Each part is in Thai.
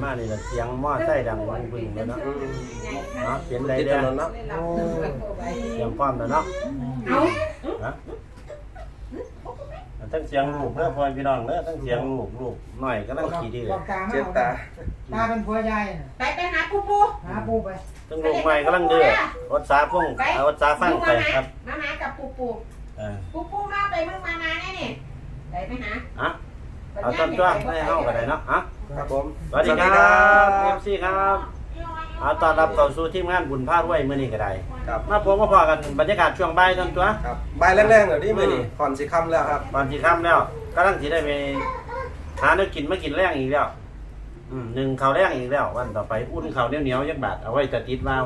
มานี่ละเสียงมอไซค์ดังบึ้งๆเลยเนาะเนาะเปลี่ยนได้ติดเด้ถอนนเนาะเสียงพร้อมแล้วเนาะฮะทั้งเสียงลูกเด้อพ่อพี่น้องเด้อทั้งเสียงลูกหน่อยก็นั่งขี่ดีเลยเจ็บตาตาเป็นผัวยายไปหาปูปูหาปูไปทั้งลูกใหม่ก็นั่งเดือรถสาพุ่งเอารถสาฟังไปครับมาหากับปูปูเออปูปูมาไปมึงมาแน่นี่ไปหาอ่ะเอาต้นจ้วงให้เฮากันได้เนาะอ่ะครับผมสวัสดีครับเอฟซีครับเอาต้อนรับเข้าสู่ทีมงานบุญพาด้วยมื้อนี้ก็ได้ครับมาพบมาพอกันบรรยากาศช่วงบ่ายต้นตัวครับใบแรงๆเดี๋ยวนี้มือนี่ก่อนสิค่ำแล้วครับตอนสิค่ำแล้วกำลังสิได้ไปหาเนื้อกินมากินแรงอีกแล้วหนึ่งข้าวแรงอีกแล้ววันต่อไปอุ่นข้าวเหนียวๆยักบาทเอาไว้จะติดวาว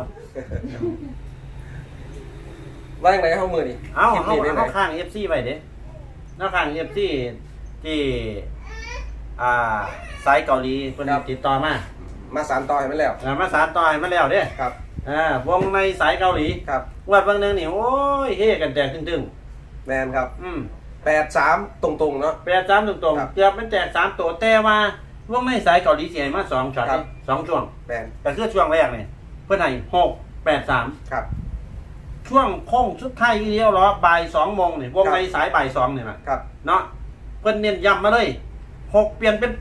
ว่าอย่างไรเข้ามือนี่เอาคลิปนี้เป็นไงเอาข้าง FC ไว้เด้เอาข้าง FC ที่สายเกาหลีเพิ่นติดต่อมามาสารต่อให้มันแล้วมาสานต่อให้มาแล้วเด้ครับวงในสายเกาหลีครับงวดบางนึงนี่โอ้ยเฮกันแตกตึงแมนครับๆ 83ตรงๆเนาะ 83ตรงครับๆเกือบมันแตก3ตัวแต่ว่าวงในสายเกาหลีสิให้มา2ช็อตครับ 2ช่วงแมนแต่คือช่วงแรกนี่เพิ่นให้683 ครับช่วงโค้งสุดท้ายอีเดียวรอบ่าย2โมงนี่วงในสายบ่าย2นี่นะครับ เนาะเพิ่นเน้นย้ำมาเลย6เปลี่ยนเป็น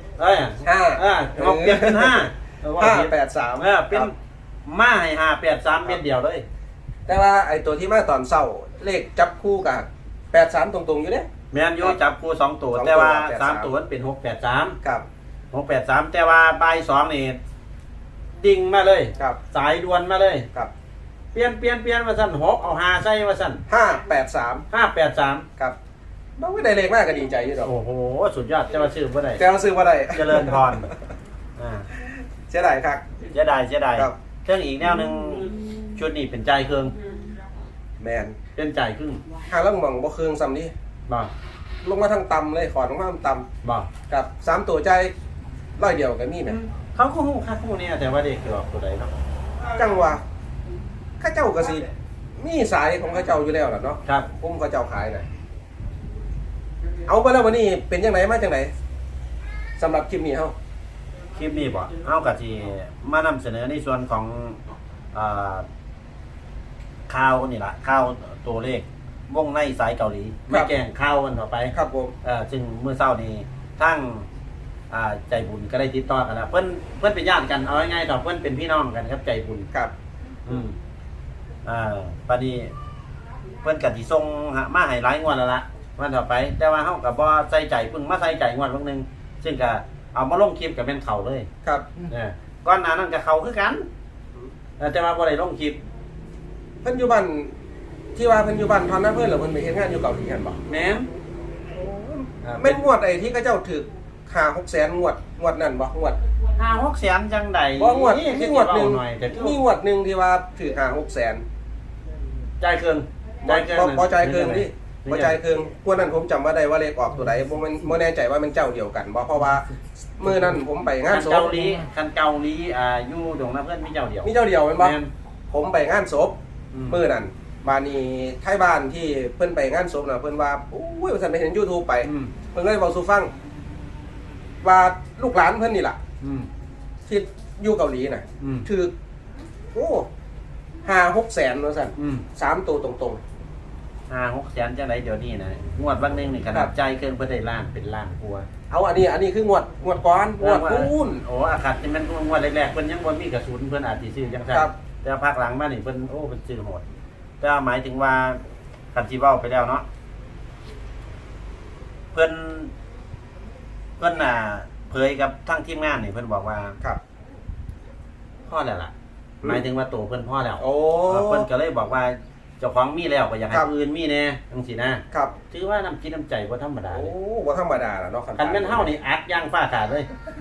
86เปลี่ยนเป็น5 583 เป็นมาให้583เม็ดเดียวเลยแต่ว่าไอ้ตัวที่มาตอนเศร้าเลขจับคู่กับ83ตรงๆอยู่เด้แม่นอยู่จับคู่2ตัวสองตัวแต่ว่า 83 3ตัวมันเป็น683 ครับ 683แต่ว่าบ่าย2นี่ดิ่งมาเลยครับสายด่วนมาเลยครับเปลี่ยนว่าซั่น6เอา5ใส่ว่าซั่น 583 583 ครับน้องไม่ได้เลขมากก็ดีใจอยู่ดอกโอ้โหสุดยอดจะมาซื้อบ่ได้แต่เราซื้อมาได้เจริญพรเสียดายครับเสียดายครับเครื่องอีกแนวหนึงชุดนี้เป็นใจเครื่องแมนเป็นใจครึ่งหาลังหม่องบ่เครื่องซ้ำนี่บ่ลงมาทางต่ำเลยขอลงมาทางต่บ่ำกับ3ตัวใจร้อยเดียวก็มีแหมเขาก็ฮู้คักฮู้เนี่ยแต่ว่าเด็กคือออกตัวใดเนาะจังว่าข้าเจ้าก็สิมีสายของข้าเจ้าอยู่แล้วล่ะเนาะครับผมข้าเจ้าขายน่ะเอาไปแล้ววันนี้เป็นจังไดมาจังไดสำหรับคลิปนี้เฮาคลิปนี้บ่เฮาก็สิมานำเสนอในส่วนของข่าวนี่ล่ะข่าวตัวเลขวงในสายเกาหลีไม่แกล้งข่าวกันต่อไปครับผมซึ่งเมื่อเช้านี้ทั้งใจบุญก็ได้ติดต่อกันแล้วเพิ่นเป็นญาติกันเอาง่ายๆต่อเพิ่นเป็นพี่น้องกันครับใจบุญครับปานนี้เพิ่นก็สิส่งมาให้หลายงวดแล้วล่ะวันต่อไป แต่ว่าเฮาก็บ่ใส่ใจเพิ่งมาใส่ใจงวดบางนึงซึ่งก็เอามาลงคลิปก็เป็นเขาเลยครับก่อนหน้านั้นก็เขาคือกันแต่ว่าบ่ได้ลงคลิปเพิ่นอยู่บ้านที่ว่าเพิ่นอยู่บ้านทอนนะเพิ่นหรือเพิ่นไปเฮ็ดงานอยู่เกาหลีกันบ่แม่นแม่นงวดไอ้ที่เขาเจ้าถูก5-6 แสนงวดนั่นบ่งวด 5-6 แสนจังใดบ่งวดนี่มีงวดหนึงหน่อยแต่มีงวดหนึงที่ว่าถูก5-6 แสนใจเกินบ่ใจเคืองดิบ่ใจเคืองงวดนั้นผมจำว่าได้ว่าเลขออกตัวใดบ่แน่ใจว่ามันเจ้าเดียวกันบ่เพราะว่ามื้อนั้นผมไปงานศพเกาหลีอยู่ตรงนั้นเพิ่นมีเจ้าเดียวมีเจ้าเดียวแม่นบ่แม่นผมไปงานศพ มื้อนั้นบ้านนี้ไทบ้านที่เพิ่นไปงานศพน่ะเพิ่นว่าโอ้ยว่าซั่นไปเห็น YouTube ไป เพิ่นก็เลยเว้าสู่ฟังว่าลูกหลานเพิ่นนี่ล่ะที่อยู่เกาหลีน่ะถูกโอ้5-6 แสนว่าซั่น3ตัวตรง 5-6 แสนจังไดเดี๋ยวนี้นะงวดวันหนึงนี่ขนาดใจเกินเพิ่นได้ล้านเป็นล้านกว่าๆเอาอันนี้คืองวดก่อนงวดปูนโอ้อาคัดนี่มันงวดแรกๆเพิ่นยังบ่มีกระสุนเพิ่นอาจสิซื้อจังซั่นครับแต่ภาคหลังมานี่เพิ่นโอ้เพิ่นซื้อโหดแต่หมายถึงว่าคันสิเว้าไปแล้วเนาะเพิ่นเผยกับทั้งทีมงานนี่เพิ่นบอกว่าครับพ่อแล้วล่ะหมายถึงว่าโตเพิ่นพ่อแล้วโอ้เพิ่นก็เลยบอกว่าเจ้าของมีแล้วก็อยากให้ครับผู้อื่นมีแน่จังซี่นะครับ ถือว่าน้ำจิตน้ำใจบ่ธรรมดาโอ้เลยบ่ธรรมดาล่ะเนาะคันแม่นเฮานี่อักย่างฟ้าขาดเลย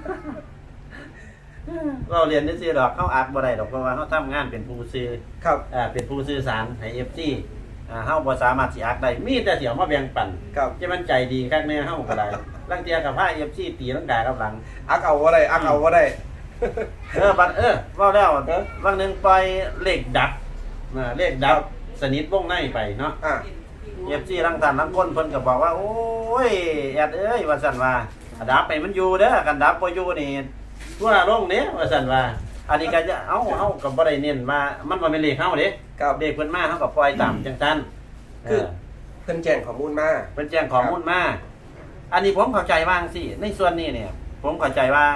เราเรียนได้ซื่อดอกเฮาอักบ่ได้ดอกเพราะว่าเฮาทำงานเป็นผู้สื่อครับเป็นผู้สื่อสารให้ FG เฮาบ่สามารถสิอักได้มีแต่สิเอามาแบ่งปันครับจะมันใจดีคักแน่เฮาก็ได้ลังเทียกับพา FG ตีลังกากับหลังอักเอาบ่ได้อักเอาบ่ได้บัดว่าแล้วเออบางหนึงปล่อยเลขดับเลขดับสนิทวงในไปเนาะอ่ะ FG ลังท่านลังคนเพิ่นก็บอกว่าโอ้ยแอดเอ้ยว่าซั่นว่าดับไปมันอยู่เด้อกันดับบ่อยู่นี่ว่าลงเนี้ยว่าสั่นว่าอันนี้ก็จะเอากับบ่ได้เน้นว่ามันบ่เป็นเลขเฮาเด้ครับเด็กเพิ่นมาเฮาก็ปล่อยตามจังซั่นคือเพิ่นแจ้งข้อมูลมาเพิ่นแจ้งข้อมูลมาอันนี้ผมเข้าใจว่าจังซี่ในส่วนนี้เนี่ยผมเข้าใจว่า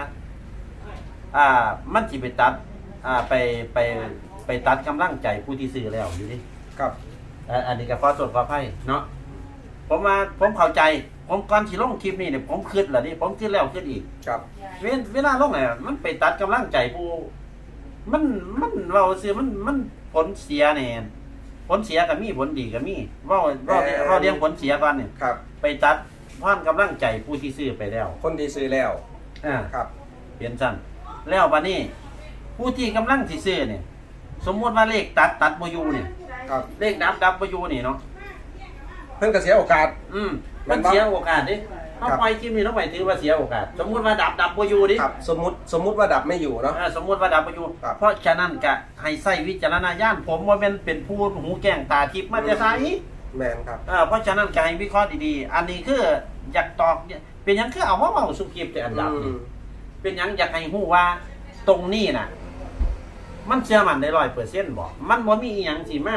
มันสิไปตัดไปตัดกำลังใจผู้ที่ซื้อแล้วอยู่ดิครับอันนี้ก็ขอโทษขออภัยเนาะผมเข้าใจผมก่อนสิลงคลิปนี้เนี่ยผมคิดแล้วนี่ผมคิดแล้วคิดอีกครับเวลาลงเนี่ยมันไปตัดกำลังใจผู้มันเว้าซื่อมันผลเสียแน่ผลเสียก็มีผลดีก็มีเว้าเรียงผลเสียก่อนเนี่ยครับไปตัดความกำลังใจผู้ที่ซื้อไปแล้วคนที่ซื้อแล้ว ครับเปลี่ยนสั้นแล้วบัดนี้ผู้ที่กำลังสิซื้อเนี่ยสมมุติว่าเลขตัดบ่อยู่เนี่ยครับเลขดับบ่อยู่นี่เนาะเพิ่นก็เสียโอกาสมันเสียโอกาสดิเขาปล่อยคลิปนี้ต้องไปถือว่าเสียโอกาสสมมุติว่าดับบ่อยู่ดิครับสมมุติว่าดับไม่อยู่เนาะสมมุติว่าดับบ่อยู่ครับเพราะฉะนั้นก็ให้ใช้วิจารณญาณผมว่าเป็นผู้หูแก้งตาทิพย์มาจะไสแมนครับเพราะฉะนั้นก็ให้วิเคราะห์ดีๆอันนี้คืออยากตอกเป็นหยังคือเอามาเว้าสุคลิปแต่อันดับนี่เป็นหยังอยากให้ฮู้ว่าตรงนี้น่ะมันเชื่อมั่นได้ 100% บ่มันบ่มีอีหยังสิมา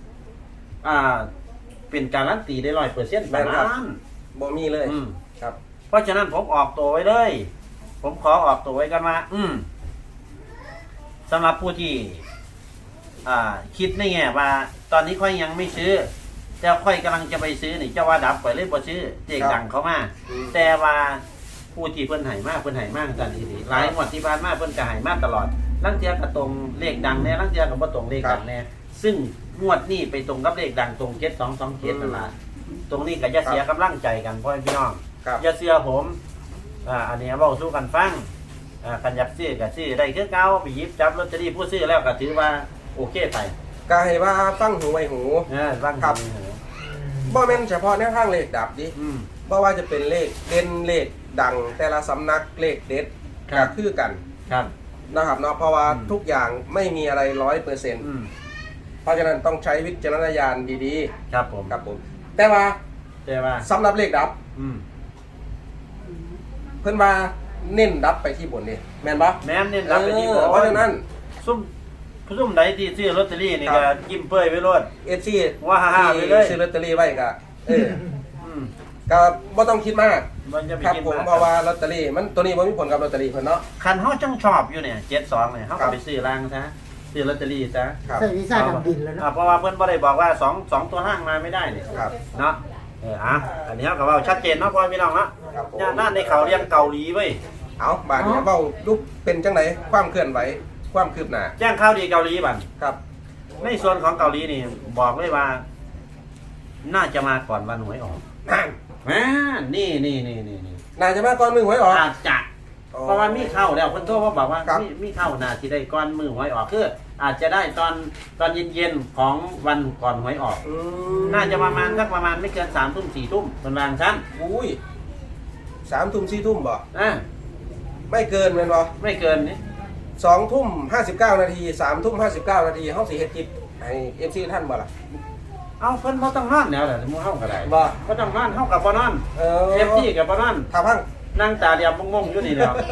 เป็นการันตีได้ 100% แบบนั้นบ่มีเลย ครับเพราะฉะนั้นผมออกตัวไว้เลย ผมขอออกตัวไว้กันมาสำหรับผู้ที่คิดในแง่ว่า ตอนนี้ค่อยยังไม่ซื้อแต่ค่อยกำลังจะไปซื้อนี่เจ้าว่าดับไปเลยบ่ซื้อเจ๊งดังเขามาแต่ว่าผู้ที่เพิ่นให้มากจังซี่หลายงวดที่ผ่านมาเพิ่นก็ให้มาตลอดลังเทียก็ตรงเลขดังแน่ลังเทียก็บ่ตรงเลขดังแน่ซึ่งงวดนี้ไปตรงกับเลขดังตรง7227นั่นล่ะตรงนี้ก็จะเสียกำลังใจกันพ่อพี่น้องอย่าเชื่อผมอันนี้เว้าสู่กันฟังคันอยากซื้อก็ซื้อได้คือเก่าไปหยิบจับลอตเตอรี่ผู้ซื้อแล้วก็ถือว่าโอเคไปก็ให้ว่าฟังหูไว้หูฟังครับบ่แม่นเฉพาะแนวทางเลขดับดิบ่ว่าจะเป็นเลขเด่นเลขดังแต่ละสำนักเลขเด็ดก็คือกันนะครับเนาะเพราะว่าทุกอย่างไม่มีอะไร 100%เพราะฉะนั้นต้องใช้วิจารณญาณดีๆครับผมแต่ว่า สำหรับเลขดับ เพิ่นว่าเน้นดับไปที่บนนี่แม่นบ่แม่นเน้นดับไปที่บนเพราะฉะนั้นซุ่มใดที่ซื้อลอตเตอรี่นี่ก็ยิ้มเป้ยไว้โลด FC ว่าฮ่าๆไปเลยซื้อลอตเตอรี่ไว้ก็ก็บ่ต้องคิดมากมันจะไปครับคิดผมมากเพราะว่าลอตเตอรี่มันตัวนี้บ่มีผลกับลอตเตอรี่เพิ่นเนาะคันเฮาจังชอบอยู่เนี่ย72เนี่ยเฮาก็ไปซื้อรางซะซื้อลอตเตอรี่ซะใส่วีซ่าดำดินแล้วเนาะเพราะว่าเพิ่นบ่ได้บอกว่า2ตัวล่างมาไม่ได้นี่ครับเนาะอันนี้เฮาก็เว้าชัดเจนเนาะพ่อพี่น้องเนาะย่านนั้นในเขาเรียนเกาหลีเว้ยเอาบาดนี้เว้ารูปเป็นจังไดความเคลื่อนไหวความคืบหน้าแจ้งข่าวดีเกาหลีบัดครับในส่วนของเกาหลีนี่บอกเลยว่า น่าจะมาก่อนวันหวยออกนั่นนี่น่าจะมาก่อนมือหวยออกอาจจะเพราะว่ามีเข้าแล้วคนโทรมาบอกว่าครับมีเข้านาที่ได้ก่อนมือหวยออกคืออาจจะได้ตอนเย็นๆของวันก่อนหวยออก น่าจะประมาณไม่เกิน3 ทุ่ม 4 ทุ่มเป็นบางชั้นอุ้ย3 ทุ่ม 4 ทุ่มบ่ ไม่เกินแม่นบ่ไม่เกินนี่ 2 ทุ่ม 59 นาที 3 ทุ่ม 59 นาทีเฮาสิเฮ็ดคลิปให้ FC ท่านบ่ล่ะเอาเพิ่นบ่ต้องนอนแล้วแหละหมู่เฮาก็ได้บ่บ่ต้องนอนเฮาก็บ่นอนFT ก็บ่นอนถ้าพังนั่งตาเดียมงงๆอยู่นี่แล้ว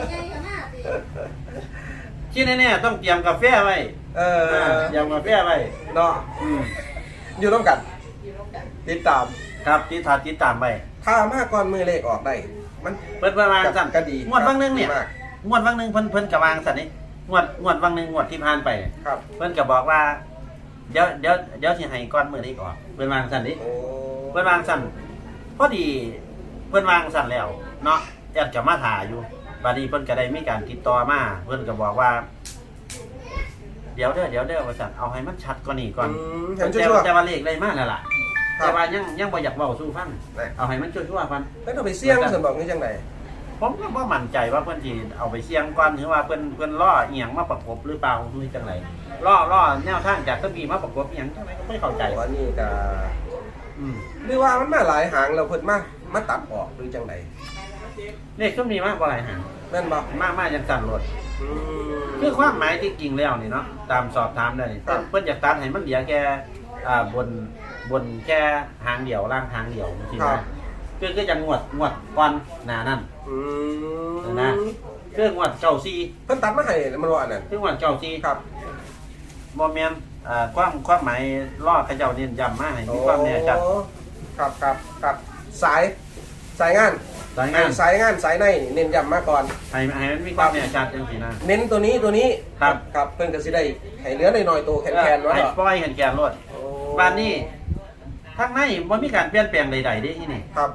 ที่แน่ๆต้องเตรียมกาแฟไว้เตรียมกาแฟไว้เนาะอยู่ร่วมกัน ติดตามครับติดตามไปถ้ามาก่อนมือเลขออกได้ มันเพิ่นวางสั่นก็ดีงวดบางนึงเนี่ยมากงวดบางนึงเพิ่นก็วางสั่นนี่งวดบางนึงงวดที่ผ่านไปครับเพิ่นก็บอกว่าเดี๋ยวสิให้ก่อนมื้อนี้ก่อนเพิ่นวางสั่นนี่โอ้เพิ่นวางสั่นพอดีเพิ่นวางสั่นแล้วเนาะแอดก็มาถ่ายอยู่บัดนี้เพิ่นก็ได้มีการติดต่อมาเพิ่นก็บอกว่าเดี๋ยวเด้อว่าสั่นเอาให้มันชัดกว่านี้ก่อนเห็นแต่ชั่วว่าเลขเลยมาแล้วล่ะครับแต่ว่ายังบ่อยากเว้าสู่ฟังเอาให้มันชั่วๆก่อนๆแล้วต้องไปเสี่ยงซั่นบอกนี่จังได๋ผมก็บ่มั่นใจว่าเพิ่นสิเอาไปเสี่ยงก่อนหรือว่าเพิ่นล่ออีหยังมาประกบหรือเปล่าหรือจังไดล่อแนวทางจากตะบีมาประกบอีหยังจังไดก็ไม่เข้าใจว่านี่ก็หรือว่ามันมาหลายหางแล้วเพิ่นมาตัดออกหรือจังได๋เลขก็มีมากกว่าหลายหางแม่นบ่มากจังสั่นรถคือความหมายที่จริงแล้วนี่เนาะตามสอบถามได้นี่เพิ่นอยากตัดให้มันเหลือแค่บนแค่หางเดียวล่างหางเดียวจริงๆนะคือจะงวดก่อนหน้านั้นนะเครื่องวัดเจ้าซีเพิ่นตัดมาให้มันว่าอันนั้นเครื่องวัดเจ้าซีครับบ่แม่นความหมายล่อเขาเจ้าเน้นย้ำมาให้มีความแน่ชัดโอ้ครับสายงานสายงานสายในนี่เน้นย้ำมาก่อนให้มันมีความแน่ชัดจังซี่นะเน้นตัวนี้ครับครับเพิ่นก็สิได้ให้เหลือหน่อยๆตัวแคนๆไว้ให้เนาะปล่อยแขนๆรถโอ้บ้านนี้ทางในบ่มีการเปลี่ยนแปลงใดๆเด้ที่นี่ครับ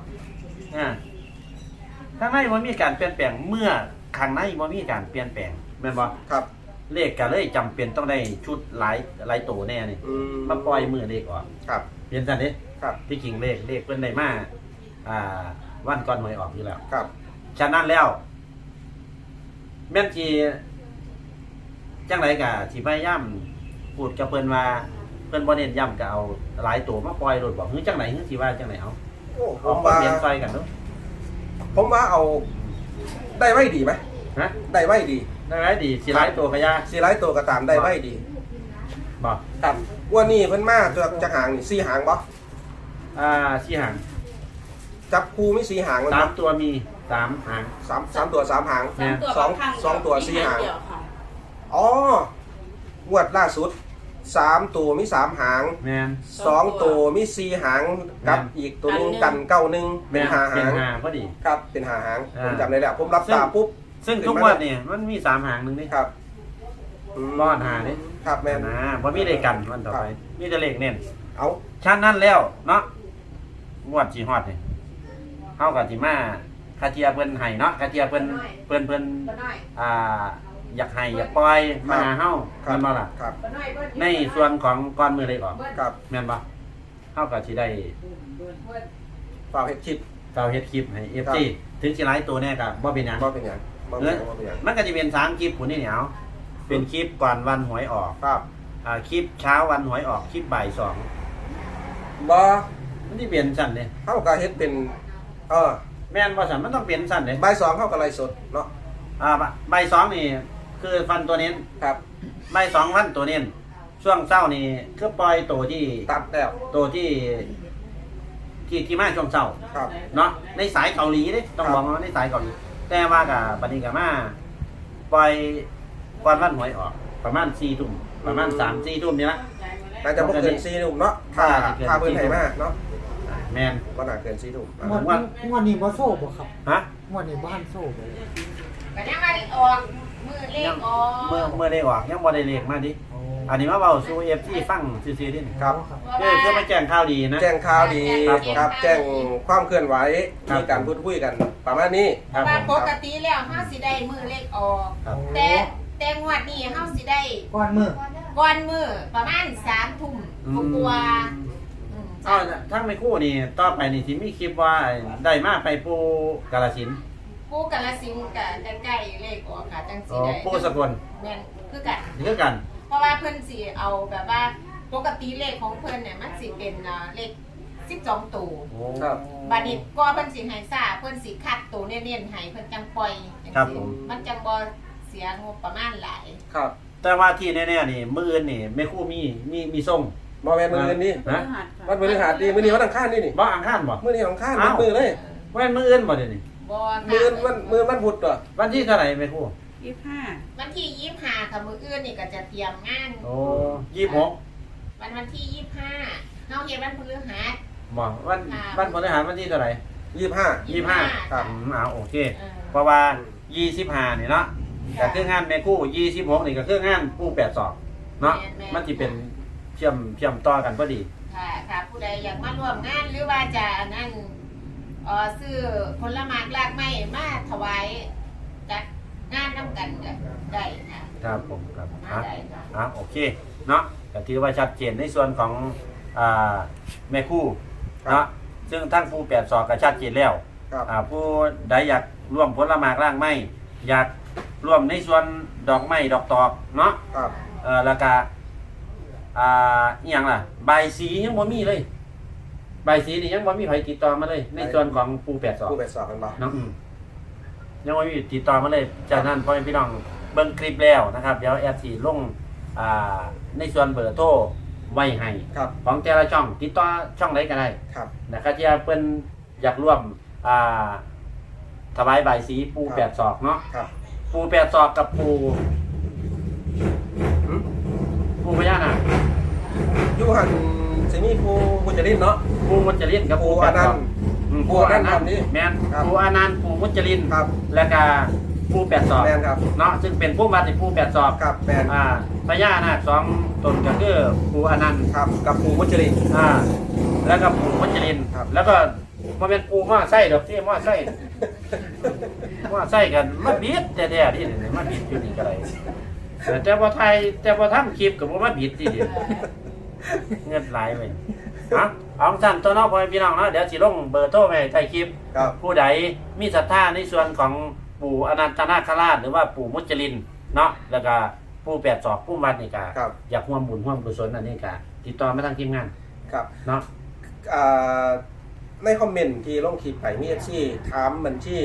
ทางในบ่มีการเปลี่ยนแปลงเมื่อข้างในบ่มีการเปลี่ยนแปลงแม่นบ่ครับเลขก็เลยจำเป็นต้องได้ชุดหลายตัวแน่นี่อืมมาปล่อยมือเลขออกครับเปลี่ยนซั่นเด้ครับที่จริงเลขเพิ่นได้มาวันก่อนหวยออกอยู่แล้วครับฉะนั้นแล้ว แม่นสิจังไดก็สิพยายามพูดกับเพิ่นว่าเพิ่นบ่เน้นย้ำก็เอาหลายตัวมาปล่อยโดดบอกคือจังไดคือสิว่าจังไดเอาโอ้ผเอามมาว่าเปลี่ยนซอยกันเนาะผมว่าเอาได้ไว้ดีไหมฮะได้ไว้ดีได้ไหมดีสิหลายตัวก็ยาสิหลายตัวก็ตามได้ไว้ดีบ่ครับวันนี้เพิ่นมาจะหางนี่4หางบ่สี่หางจับคู่มี4หางมันสาบ่มตัวมีสามหางสามตัว3หางแม่นสองตัวสี่หางเดียวค่ะอ๋องวดล่าสุด3ตัวมี3หางแม่น 2ตัวมี4หางกับอีกตัวหนึงกัน91เป็แม่นน 5 เป็หาน งหางพอดีครับเป็น5หางอ่าผมจำได้แล้วผมรับตาปุ๊บซึ่งทุกงวันนี่มันมีสามหางหนึงนี่ครับรอดหานี่ครับแม่นนะบ่มีเลขกันวันต่อไป มีแต่เลขเน้นเอาชั้นนั้นแล้วเนาะงวดสิฮอดนี่เฮาก็สิมาคาเทียเพิ่นให้เนาะคาเทียเพิ่นบ่น้อยอยากให้อยากปล่อยมาหาเฮาครัแม่นบ่ล่ะครับบ่น้อยเบิ้ลในส่วนของก่อนมือเลขออกครับแม่นบ่เฮาก็สิได้เบิ้ลฝากเฮ็ดคลิปเฝ้าเฮ็ดคลิปให้ FC ถึงสิหลายตัวแน่ก็บ่เป็นหยังบ่เป็นหยังบ่เป็นหยังบ่เป็นหยังมันก็จะเป็น3คลิปพุ่นนี่เหนียวเป็นคลิปก่อนวันหวยออกครับคลิปเช้าวันหวยออกคลิปบ่าย2 บ่มันสิเปลี่ยนซั่นเด้เฮาก็เฮ็ดเป็นอแม่นบ่ซั่นมันต้องเปลี่ยนซั่นเด้บ่าย2เฮาก็ไลฟ์สดเนาะบ่าย2นี่คือฟันตัวเน้นครับบ่าย2วันตัวเน้นช่วงเช้านี่คือปล่อยตัวที่ตัดแล้วตัวที่มาช่วงเช้าครับเนาะในสายเกาหลีเด้ต้องครับบอกว่าในสายเกาหลีแต่ว่ากับบัดนี้ก็มาปล่อยก่อนวันหวยออก ประมาณ4ทุ่มประมาณ3-4ทุ่มนี่ละน่าจะบ่เกิน4ทุ่มเนาะถ้าน่าจะเกินถ้าเพิ่นให้มาเนาะแม่นบ่น่าเกิน4ทุ่มงวดนี้บ่โซ่บ่ครับฮะงวดนี้บ้านโซ่บ่ก็ยังมาออกมือเลขออกเมื่อได้ออกยังบ่ได้เลขมาดิอันนี้มาเว้าสู่ FC ฟังซื่อๆดิครับคือมาแจ้งข่าวดีนะแจ้งข่าวดีครับครับ แจ้งความเคลื่อนไหวครับมีการพูดคุยกันประมาณนี้เพราะว่าปกติแล้วเฮาสิได้มือเลขออกครับแต่งวดนี้เฮาสิได้ก้อนมือก่อนมือประมาณ3 ทุ่มกว่าๆอืมอ้าวทั้งไม่คู่นี่ต่อไปนี่สิมีคลิปว่าได้มาไปปูกาฬสินธุ์ปูกาฬสินธุ์กับใกล้ๆเลขออกค่ะจังสิอ๋อได้ปูสกลแม่นคือกันนี่คือกันเพราะว่าเพิ่นสิเอาแบบว่าปกติเลขของเพิ่นเนี่ยมันสิเป็นเลข12ตัวโอ้ครับบัดนี้ก็เพิ่นสิให้ซ่าเพิ่นสิคัดตัวเน้นๆให้เพิ่นจังปล่อยจังซี่มันจังบ่เสียงบประมาณหลายครับแต่ว่าที่แน่ๆนี่มื้ออื่นนี่แม่คู่มีส่งบ่แม่นมื้ออื่นนี่ฮะวันพฤหัสดีมื้อนี้วันอังคารนี่นี่บ่อังคารบ่มื้อนี้วันอังคารอ้าวมื้อเลยว่ามื้ออื่นบ่เดี๋ยวนี้บ่มื้อค่ะวันพุธตัววันที่เท่าไหร่แม่คู่วันที่25ค่ะมื้ออื่นนี่ก็จะเตรียมงานโอ้26 วันที่25เฮาเฮ็ดวันพฤหัสบ่วันพฤหัสวันที่เท่าไหร่ 25 25 ครับโอเคเออเพราะว่า25นี่เนาะก็คืองานแม่คู่26นี่ก็คืองานปู82เนาะมันสิเป็นเชื่อมต่อกันพอดีค่ะผู้ใดอยากมาร่วมงานหรือว่าจะนั่นซื้อผลไม้รากไม้มาถวายจัดงานนํกันก็ได้ค่ะครับผมครับมาได้ค่ะโอเคเนาะก็ถือว่าชัดเจนในส่วนของแม่คู่เนาะซึ่งทั้งผู้82ก็ชัดเจนแล้วครับผู้ใดอยากร่วมผลไม้ร่างไม้อยากร่วมในส่วนดอกไม้ดอกตอกเนาะครับแล้วก็อีหยังล่ะใบายสียังบ่มีเลยใบายสีนี่ยังบ่มีใครติดต่อมาเลย ในส่วนของปู82 ผู้ไปสอบกันบ่น้องยังไม่มีติดต่อมาเลย จากนั้นพ่อแม่พี่น้องเบิ่งคลิปแล้วนะครับ เดี๋ยวแอดสีลงในส่วนเบอร์โทรไว้ให้ครับของแต่ละช่องติดต่อช่องไหนก็ได้ครับนะครับที่เพิ่นอยากร่วมถวายใบายสีปูครับแปดศอกเนาะครับปูแปดศอกกับปูพญานาคอยู่หันสิมีผู้มุจลินเนาะปูมุจลินกับผู้ปูแปอดนัศนอกต์ปูอนันต์นี่แม่นครับปูอนันต์ปูมุจลินครับแล้วก็ปูแปดศอกแมนครับเนาะซึ่งเป็นผู้มาในปูแปดศอกครับแมนพญานาคสองตนก็คือปูอนันต์ครับกับผู้มุจลินแล้วก็ปูมุจลินครับแล้วก็มันเป็นปูม้อไส้ดอกที่ม้อไส้ม้อไส้กันมาบิดแต่ๆนี่มาบิดอยู่นี่ก็ได้แต่พอไทยแต่พอทำคลิปกับมาบิดที่เดียวเงินไหลไปเอาสั้นตัวน้องพ่อพี่น้องนะเดี๋ยวสิลงเบอร์โทรไปใต้คลิปครับผู้ใดมีศรัทธาในส่วนของปู่อนันตนาคราชหรือว่าปู่มุจลินเนาะแล้วก็ปู่แปดศอกปู่วัดนี่กะครับอยากร่วมบุญร่วมกุศลอันนี้กะติดต่อมาทางทีมงานครับเนาะในคอมเมนต์ที่ลงคลิปไปมีที่ถามบัญชี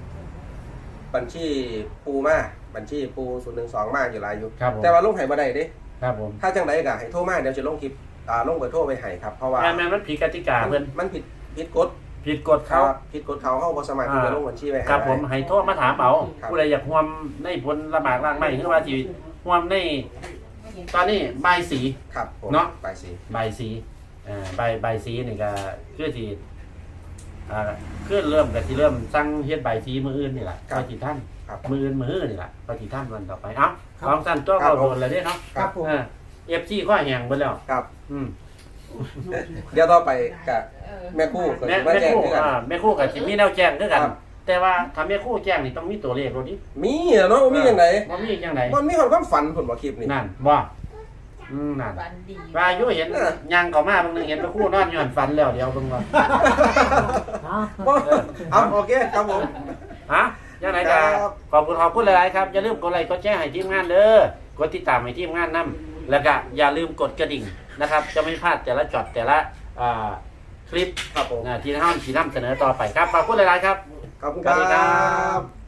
ปูมาบัญชีปู012มาอยู่หลายอยู่ครับผมแต่ว่าลงให้บ่ได้เด้ครับผมถ้าจังไดก็ให้โทรมาเดี๋ยวจะลงคลิปลงเบอร์โทรไปให้ครับเพราะว่าแม่นมันผิดกติกาเพิ่นมันผิดกฎผิดกฎเขาผิดกฎเขาบ่สามารถที่จะลงบัญชีไว้ให้ครับผมได้ให้โทรมาถามเอาครับผู้ใดอยากร่วมในผลละหมากล่างไม้คือว่าสิร่วมในตอนนี้ใบายสีครับผมเนาะไปสิใบายสีใบายสีนี่ก็คือสิคือเริ่มกับที่เริ่มสั่งเฮ็ดใบายสีมื้ออื่นนี่แหละก็สิท่านครับมื้ออื่นนี่แหละก็สิท่านวันต่อไปเอ้าของสั้นตัวเราโดนแล้วเด้เนาะครับผม FC ข้อแห้งเบิดแล้วครับอืมเดี๋ยวต่อไปกับแม่คู่ก็แม่สิมาแจ้งคู่คือกันแม่คู่กับสิมีแนวแจ้งคือกันครับแต่ว่าถ้าแม่คู่แจ้งนี่ต้องมีตัวเลขโลดนี้มีเนาะมีจังไดบ่มีจังไดมันมีความฝันผลบ่คลิปนี่นั่นบ่นั่นวันดีว่าอยู่เห็นยังเข้ามาเบางนึงเห็นแม่คู่นอนอยู่หันฝันแล้วเดี๋ยวเบิ่งว่าเอาโอเคครับผมฮะยังไงก็ขอบคุณหลายๆครับอย่าลืมกดไลค์กดแชร์ให้ทีมงานเด้อกดติดตามให้ทีมงานนํแล้วก็อย่าลืมกดกระดิ่งนะครับ จะไม่พลาดแต่ละช็อตแต่ละคลิปครับผมที่ท่านสีน้ำเสนอต่อไปครับขอบคุณหลายๆครับขอบคุณสวัสดีครัครับ บ